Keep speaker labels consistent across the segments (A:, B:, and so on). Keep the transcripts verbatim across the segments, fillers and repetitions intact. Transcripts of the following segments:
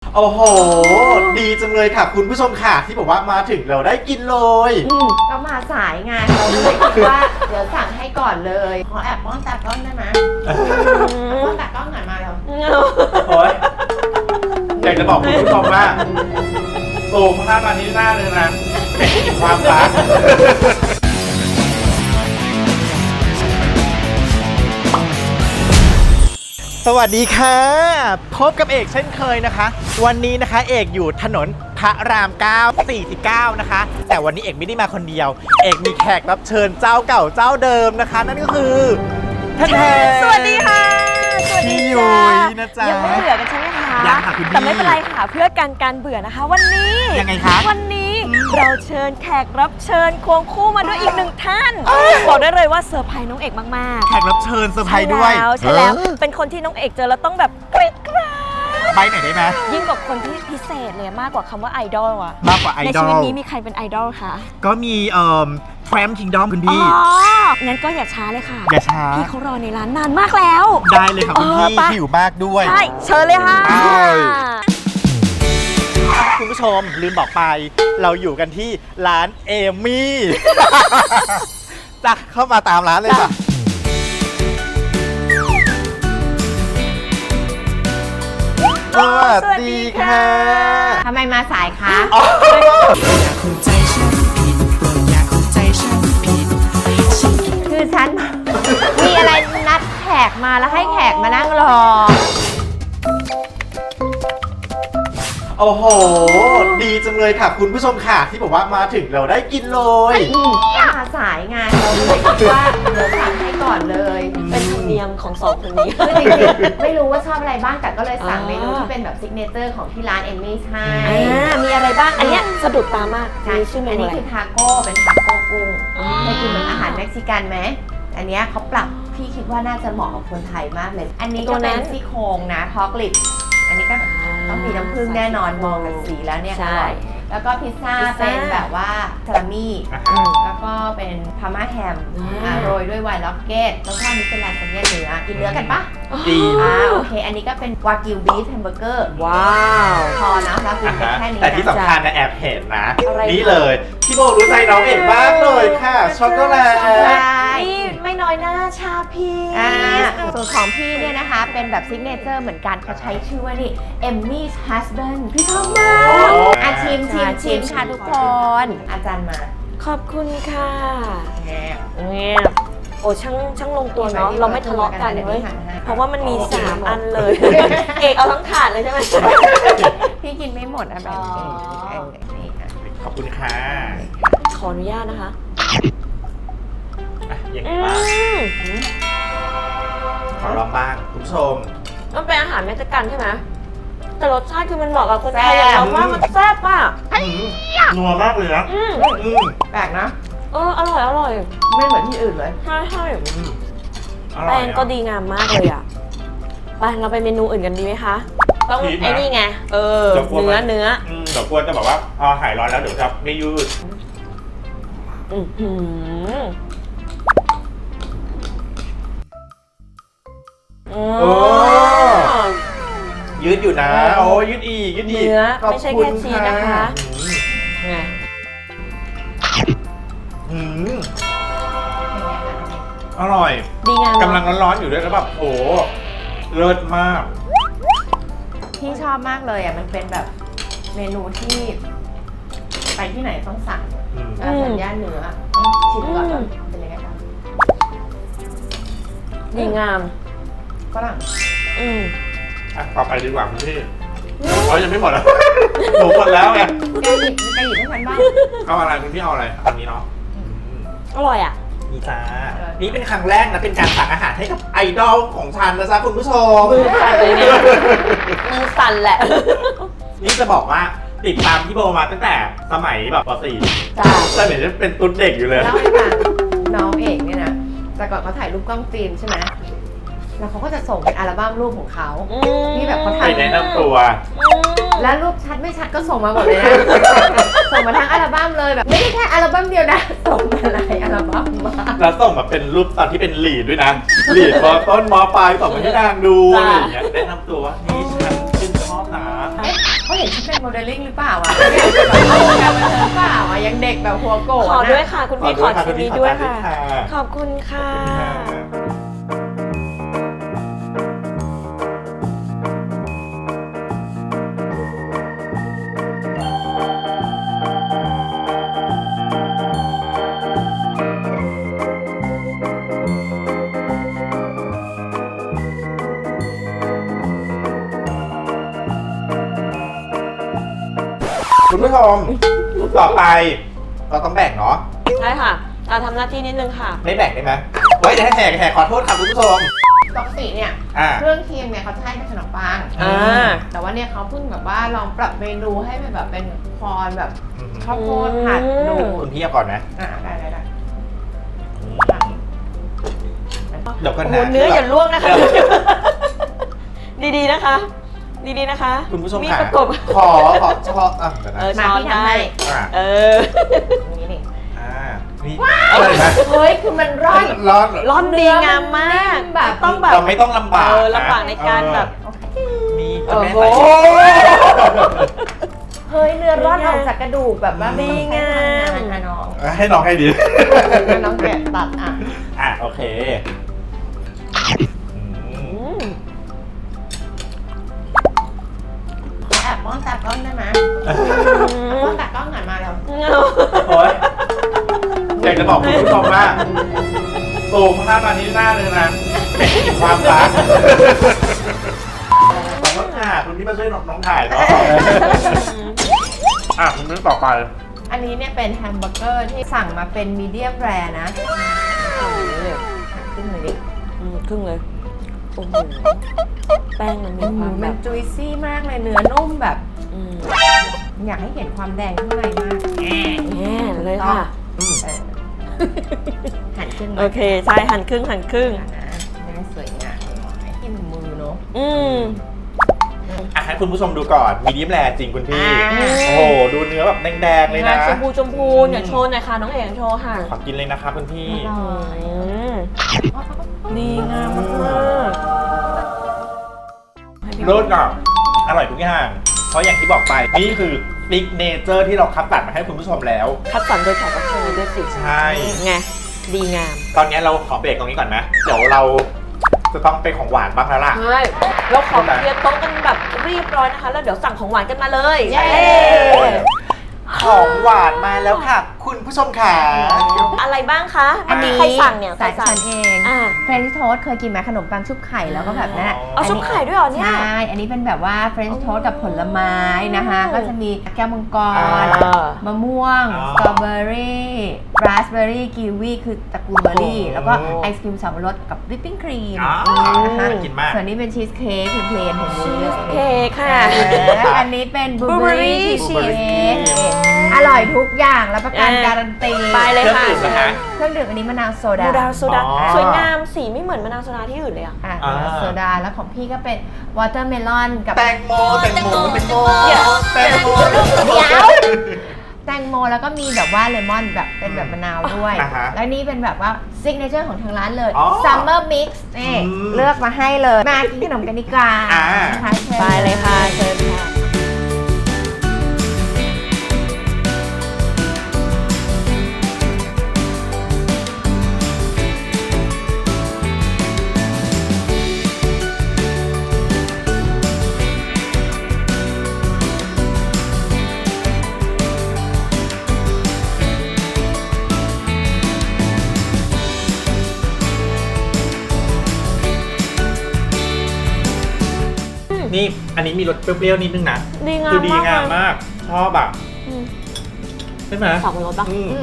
A: โอ้โหดีจังเลยค่ะคุณผู้ชมค่ะที่บอกว่ามาถึงเราได้กินเลย
B: ก็มาสายงานเราเลยคิดว่าเดี๋ยวสั่งให้ก่อนเลยขอแอบป้อนตากล้องได้ไหมป้อนตากล้องหน่อยมาแล้ว
A: โอ้ยอยากจะบอกคุณผู้ชมว่าโอ้ภาพอันนี้หน้าเลยนะเป็นความรักสวัสดีค่ะพบกับเอกเช่นเคยนะคะวันนี้นะคะเอกอยู่ถนนพระรามเก้า สี่สิบเก้านะคะแต่วันนี้เอกไม่ได้มาคนเดียวเอกมีแขกรับเชิญเจ้าเก่าเจ้าเดิมนะคะนั่นก็คือท่านแทน
C: สวัสดีค่ะสวัสดี
A: จ้านะจ๊ะ
C: ยังไม่เบื่อกันใช่ไหมคะ
A: ยังค่ะคุณพี่
C: แต่ไม่เป็นไรค่ะเพื่อการการเบื่อนะคะวันนี้
A: ยังไงคะ
C: วันนี้เราเชิญแขกรับเชิญควงคู่มาด้วยอีกหนึ่งท่านบอกได้เลยว่าเซอร์ไพรส์น้องเอกมาก
A: ๆแขกรับเชิญเซอร์ไพรส์ด้วย
C: ใช่แล้วใช่แล้วเป็นคนที่น้องเอกเจอแล้วต้องแบบเกรดกรา
A: ใบไหนได้ไหม
C: ยิ่งกว่าคนที่พิเศษเลยมากกว่าคำว่าไอดอลอะ
A: มากกว่าไอดอล
C: ในชีวิตนี้มีใครเป็นไอดอลคะ
A: ก็มีเอ่อแทรมคิงดอมคุณพี่
C: อ๋องั้นก็อย่าช้าเลยค่ะ
A: อย่าช้า
C: พี่เขารอในร้านนานมากแล้ว
A: ได้เลยค่ะคุณพี่หิวมากด้วย
C: ใช่เชิญเลยค่ะ
A: คุณผู้ชมลืมบอกไปเราอยู่กันที่ร้านเอมี่จ้ะเข้ามาตามร้านเลยค่ะสวัสดีค่ะ
B: ทำไมมาสายคะคือฉันมีอะไรนัดแขกมาแล้วให้แขกมานั่งรอ
A: โอ้โหดีจังเลยค่ะคุณผู้ชมค่ะที่บอกว่ามาถึงเราได้กินเลย
B: มาสายงานเราเลยคิดว่าเดี๋ยวสั่งให้ก่อนเลย
C: เป็นธรรมเนียมของสองคนนี้
B: คือจริงๆไม่รู้ว่าชอบอะไรบ้างแต่ก็เลยสั่งเมนูที่เป็นแบบซิกเนเจอร์ของที่ร้านเอมมี่ใช่
C: มีอะไรบ้างอันนี้สะดุดตามาก
B: มีชื่อเมนูอันนี้คือทาโก้เป็นทาโก้กุ้งเคยกินเหมือนอาหารเม็กซิกันไหมอันนี้เขาปรับพี่คิดว่าน่าจะเหมาะกับคนไทยมากเลยอันนี้ก็เป็นซี่โครงนะทอกลิปอันนี้ก็ต้องมีน้ำผึ้งแน่นอนมองกันสีแล้วเนี่ยอร่อยแล้วก็พิซซ่าเป็นแบบว่าซาลามี่แล้วก็เป็นพาม่าแฮมโรยด้วยไวน์ล็อกเก็ตแล้วก็อันนี้เป็นลาซานญ่าเนื้อกินเนื้อกันปะ
A: ดี
B: อ่าโอเคอันนี้ก็เป็นวากิวบีฟแฮมเบอร์เกอร์
C: ว้าว
B: พอนะเรากินแค่นี้
A: แต่ที่สำคัญนะแอบเห็นนะนี่เลยพี่โบรู้ใจน้องเอกมากเลยค่ะช็อกโกแลต
C: นี่ไม่น้อยหน้าชาพี
B: ส่วนของพี่เนี่ยนะคะเป็นแบบซิกเนเจอร์เหมือนกันเขาใช้ชื่อว่านี่เอมมี่ฮัสแบนด์พี่ชอบมากอาชิมชิมชิมค่ะทุกคนอาจารย์มา
C: ขอบคุณค่ะเนี่ยโอ้ช่างช่างลงตัวเนาะเราไม่ทะเลาะกันเลยเพราะว่ามันมีสามอันเลยเอกเอาทั้งถาดเลยใช่ไหม
B: พี่กินไม่หมดอะแบบนี้
A: ขอบคุณค่ะ
C: ขออนุญาตนะคะ
A: ยังไงบ้างขอลองบ้างคุณผู้ชม
C: มันเป็นอาหารเม็กซิกันใช่ไหมแต่รสชาติคือมันเหมาะกับคนไทยเราว่ามันแซ่บอ่ะ
A: นัวมากเลยนะ
B: แปลกนะ
C: เอออร่อยอร่อย
B: ไม่เหมือนที่อื่นเลย
C: ใช่ใช่แป้งก็ดีงามมากเลยอ่ะไปเราไปเมนูอื่นกันดีไหมคะต้องไอ้นี่ไงเออเนื้อเนื้อ
A: เดี๋ยวกลัวจะบอกว่าพอหายร้อนแล้วเดี๋ยวจะไม่ยืด
C: อือหือ
A: โอ้ยืดอยู่นะโอ้ยืดอีกยืดอีก
C: เนื้อไม่ใช่แค่ชีสนะคะไง
A: อืมอร่อย
C: ดีงาม
A: กำลังร้อนๆอยู่ด้วยแล้วแบบโอ้เลิศมาก
B: พี่ชอบมากเลยอ่ะมันเป็นแบบเมนูที่ไปที่ไหนต้องสั่งอาหารย่านเนื้อชิมก่อนเป็นยังไงบ้าง
C: ดีงาม
B: ฝรั่ง
C: อืม
A: อ่ะต่อไปดีกว่าคุณพี่เขายังไม่หมดแล้วหนูหมดแล้วไง
B: แกหยิบแกหยิบให้ฉันบ้าง
A: เอาอะไรคุณพี่เอาอะไรอันนี้เนาะ
C: อร่อยอ่ะ
A: นี่จ้านี่เป็นครั้งแรกนะเป็นการสั่งอาหารให้กับไอดอลของฉันนะจ๊ะคุณผู้ชม
C: มือสั่นเลยเนี่ยมือสั่นแหละ
A: นี่จะบอกว่าติดตามพี่โบมาตั้งแต่สมัยแบบป สี่
C: จ้า
A: สมัยนั้นเป็นตุ๊ดเด็กอยู่เลย
B: แล้วไอ้การน้องเอกเนี่ยนะแต่ก่อนเขาถ่ายรูปกล้องฟิล์มใช่ไหมแล้วเขาก็จะส่งเป็นอัลบั้มรูปของเขาที่แบบเขาถ่าย
A: แนะนำตัว
B: แล้วรูปชัดไม่ชัดก็ส่งมาหมดเลยนะส่งมาทั้งอัลบั้มเลยแบบไม่ได้แค่อัลบั้มเดียวนะส่งมาหลายอัลบั้มมา
A: แล้วส่งมาเป็นรูปตอนที่เป็นลีดด้วยนะลีดมอต้นมอปลายส่งมาให้นางดูอะไรอย่างเงี้ยแนะนำตัวนี่ฉันชื่นชอบนะ
B: พเป็นโมเดลลิ่งหรือเปล่าอ่ะอยากเป็นแบบเอาการบันเทิงเปล่าอ่ะยังเด็กแบบหัวโกะ
C: ขอด้วย
B: นะ
C: ค่ะ คุณพี่ขอชิ้นนี้ด้วยค่ะ ขอบคุณค่ะ
A: คุณผู้ชมต่อไปเราต้องแบ่งเนาะ
C: ใช่ค่ะอ่ะทำหน้าที่นิดนึงค่ะ
A: ไม่แบ่งได้ไหมไว้เดี๋ยวให้แหกแหกขอโทษค่ะคุณผู้ชม
B: ปกติเนี่ย
A: อ่า
B: เครื่องเคียงเนี่ยเขาจะให้เป็นขนมปัง
C: อ่า
B: แต่ว่าเนี่ยเขาเพิ่งแบบว่าลองปรับเมนูให้เป็นแบบเป็นคอนแบบข้าวโพด
C: อืม
B: ผัดดู
A: คุณพี่เอาก่อนนะ
B: อ่าได้ได้ได้
A: เดี๋ยวกัน
C: โอ้
A: นะ
C: โหเนื้ออย่าล่วงนะคะ ดีๆนะคะ ดีๆนะคะ
A: คุณผู้ชม
C: มี
A: ค่ะ
C: ประกบ
A: ขอขอชอบอ่ะเดี๋ยวนะ
C: เออ
B: มา
C: ช้อน
B: พี่ทำ
C: ได้
B: ให้
A: อ่า
C: เออ
B: นี่นี่
A: อ่านี่อะไรนะ
B: เฮ้ยคือมันร่อน
A: ร้อน
C: ร้อนดีงามมาก
B: แบบ
C: ต้องแบบ
A: เราไม่ต้องลำบาก
C: เออลำบากในการแบบ
A: มี
C: โอ้
A: แม่
C: โห
A: ใส่
B: เฮ้ยเนื้อร่อนออกจากกระดูกแบบว่าไม่ต้องใช้
C: ดีงาม
B: พลังงานนะน้อง
A: ให้น้องให้ดี
B: แล้วน้องแกะตัดอ่ะ
A: อ่ะโอเคอื
C: อื
A: ม
C: ม
B: ขอแอบป้อนตากล้องได้ไหมป้อนตากล้องหน่อยมาแล้ว
A: โอ้ยอยากจะบอกคุณผู้ชมว่าตูมภาพมานี้หน้าเลยนะมีความรักขอบคุณค่ะคุณที่มาช่วยน้องถ่ายเนาะอ่ะคุณนึกต่อไป
B: อันนี้เนี่ยเป็นแฮมเบอร์เกอร์ที่สั่งมาเป็นมีเดียมแรร์นะขึ้นเลยดิ
C: อืมครึ่งเลย โอ้โห แป้งมันมีความแบ
B: มัน
C: บ
B: จุยซี่มากเลยเนื้อนุ่มแบบ
C: อืม
B: อยากให้เห็นความแดงข้างในมาก
C: แน่เลยค่ะ
A: อืม
B: เออหันขึ้นมา
C: โอเค ใช่หั่นครึ่งหั่นครึ่ง
B: นะให้สวยงามหน่อยที่มือเนาะ
C: อืม
A: อ่ะให้คุณผู้ชมดูก่อนมีดิมแรจริงคุณพี่
B: อ่า
A: โอ้โห ดูเนื้อแบบแดงๆเลยนะ
C: ชมพูชมพูอยากโชว์หน่อยค่ะ น้องเอกโชว์ค่ะ
A: ขอกินเลยนะคะคุณพี่
B: อร่อย
C: อืมดีงามมากๆ
A: รสอ่ะอร่อยทุกอย่าง เพราะอย่างที่บอกไป นี่คือฟิกเนเจอร์ที่เราคัดตัดมาให้คุณผู้ชมแล้ว
C: คัดสรรโดยแขกรับเชิญด้วยสิ
A: ใช่
C: ไง ดีงาม
A: ตอนนี้เราขอเบรกตรงนี้ก่อนนะ เดี๋ยวเราจะต้องเป็นของหวานบ้างแล้วล่ะ
C: ใช่เราขอเคลียร์โต๊ะกันแบบเรียบร้อยนะคะ แล้วเดี๋ยวสั่งของหวานกันมาเลย
B: เย้
A: ของหวานมาแล้วค่ะ คุณผู้ชมค่ะ
C: อะไรบ้างคะ
B: อันนี้
C: ใครสั่งเนี่ยใคร
B: สาย
C: สั่
B: ฉั
C: ง
B: นเอง
C: อ่า
B: เฟรนช์โทสเคยกินไหมขนมปังชุบไข่แล้วก็แบบนั้นอะ
C: เอาชุบไข่ด้วยเหรอเนี่ย
B: ใช่ อันนี้เป็นแบบว่าเฟรนช์โทสกับผลไม้นะคะ
C: อืม
B: ก็จะมีแก้วมังก
A: อ่
B: ร
A: า
B: มะม่วง
A: อ๋อ
B: สตรอเบอรี่ราสเบอรี่กีวีคือตระกูลเบอร์รี่
A: โอ้
B: แล้วก็ไอศครีมสับปะรดกับวิปปิ้งครีม
A: อ๋อ
B: นะคะ
A: น่ากินมาก
B: ส่วนนี้เป็นชีสเค้กเพลนๆของมือเลย
C: เค้กค่ะ
B: และอันนี้เป็นบลูเบอรี่
C: Blueberry
B: ชีส
C: cheese
B: เค้กอร่อยทุกอย่างรับประกัน
C: อ่า
B: การันตี
C: ไปเลยค่ะ
A: เครื่องดื่มนะคะ
B: เครื่องดื่มอันนี้มะนาวโซดา
C: มะนาวโซดา
A: อ๋อ
C: สวยงามสีไม่เหมือนมะนาวโซดาที่อื่นเลยอ่ะ
B: อ่ะ
A: อ่า
B: มะนาวโซดาแล้วของพี่ก็เป็นวอเตอร์เมลอนกับ
A: แตงโมแตงโมแตงโม
C: เดี๋ยว
A: แตงโม
B: เดี๋ยวแตงโมแล้วก็มีแบบว่าเลมอนแบบเป็นแบบมะนาวด้วย
A: อ่าฮะ
B: แล้วนี่เป็นแบบว่าซิกเนเจอร์ของทางร้านเลย
A: อ๋อ
B: ซัมเมอร์มิกซ์นี่
A: อืม
B: เลือกมาให้เลย มากินขนมกันดีกว่า
A: อ่า
B: นะคะชิญ
C: ไปเลยค่ะเชิญค่ะ
A: นี่อันนี้มีรสเปรี้ยวๆนิดนึงนะ
C: ดีงาม
A: คือดี
C: มาก
A: งาม
C: เลย
A: มาก ชอบอ่ะ
C: อืม
A: ใช่ไหม
C: สองรสปะ
A: อืม
B: อืม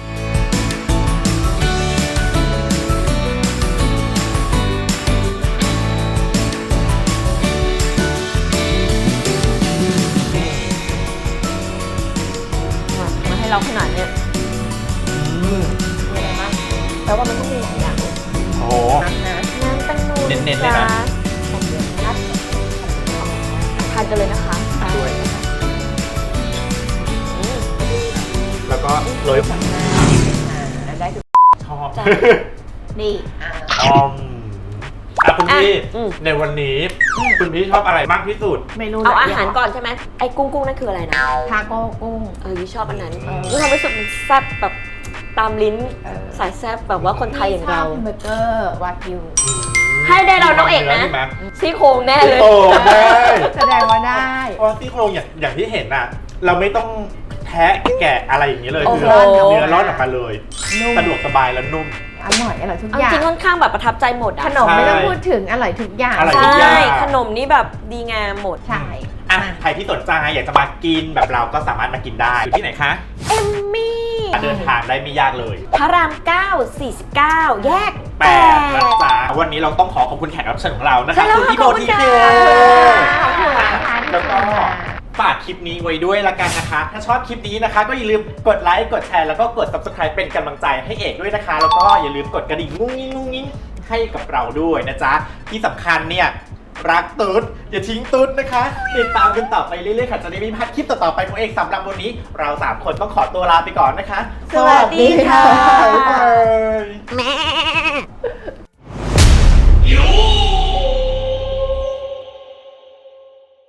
C: มาให้เราขนาดเนี้ย
A: อืม
B: มีอะไรบ้าง
C: แปลว่ามันต้องมีหลายอย่าง
A: โอ้โห
B: นะ
C: น้ำแตงโม
A: เน้นๆเลยนะ
C: ของเดือนนัดทานกันเลยนะคะ
A: ด้วย
C: อืม
A: แล้วก็โรย
B: อ่าได้ทุก
A: ชอบ
C: จ้ะ
B: ดีอ่า
A: ออมอ่ะคุณผู้ชพี่
C: อืม
A: ในวันนี้คุณพี่ชอบอะไรมากที่สุด
B: เมนู
C: เอา
B: หล
C: อาย
B: ย่ง
C: หารก่อนใช่ไหมไอ้กุ้งกุ้งนั่นคืออะไรนะ
B: ทาโก้กุ้ง
C: เออยี่ชอบอันนั้น
A: อืม
C: ยี่ความรู้สึกมันแซ่บแบบตามลิ้น
B: เออ
C: สายแซ่บแบบว่าคนไทยอย่างเรา
B: พี่ชบเบอร์เกอร์วากิว
C: ให้ได้เราน้องเอกนะ
A: ใช่ไหม
C: ซี่โครงแน่เลย
A: โอ้ได้
B: แสดงว่าได้
A: เพราะซี่โครงอย่างอย่างที่เห็นอ่ะ เราไม่ต้องแทะแกะอะไรอย่างนี้เลย
C: โอ้
A: คื
C: โห
A: อเนื้อร่อนออกมาเลย
B: นุ่ม
A: สะดวกสบายและนุ่ม
B: อร่อยอร่อยทุก
C: เอา
B: อย่าง
C: จริงค่อนข้างแบบประทับใจหมดอะ
B: ขนมไม่ต้อง
A: ใช่
B: พูดถึงอร่อยทุกอย่าง
A: อร่อย
C: ใช
A: ทุกอย่า
C: ่
A: ง
C: ขนมนี่แบบดีงามหมด
B: ใช่
A: อ่ะใครที่สนใจอยากจะมากินแบบเราก็สามารถมากินได้อยู่ที่ไหนคะ
C: เอมมี่
A: เดินทางได้ไม่ยากเลย
C: พระรามเก้า สี่สิบเก้า แยก
A: แป
C: แป
A: ดนะ
C: ด
A: จ๊ะวันนี้เราต้องขอขอบคุณแขกรับเชิญของเรานะ
C: ใช่
A: คะ
C: แล้ว
A: คุณพี่โบ
C: ขอบคุณ
A: ที
C: ค่ะ
A: เค
B: ขอบคุณนะคะที่
A: แล้ว
B: ช
A: ก็
B: มมา
A: ฝากคลิปนี้ไว้ด้วยละกันนะคะ ถ้าชอบคลิปนี้นะคะ ก็อย่าลืมกดไลค์กดแชร์แล้วก็กด ซับสไครบ์ เป็นกำลังใจให้เอกด้วยนะคะ แล้วก็อย่าลืมกดกระดิ่งงุ้งงิ้งงุ้งงิ้งให้กับเราด้วยนะจ๊ะที่สำคัญเนี่ยรักตุ๊ดอย่าทิ้งตุ๊ดนะคะติดตามกันต่อไปเรื่อยๆค่ะจะได้ไม่พลาดคลิปต่อๆไปของเอกสำหรับวันนี้ เราสามคนต้องขอตัวลาไปก่อนนะคะ
B: สวัสดีค่ะ
A: บ๊ายบาย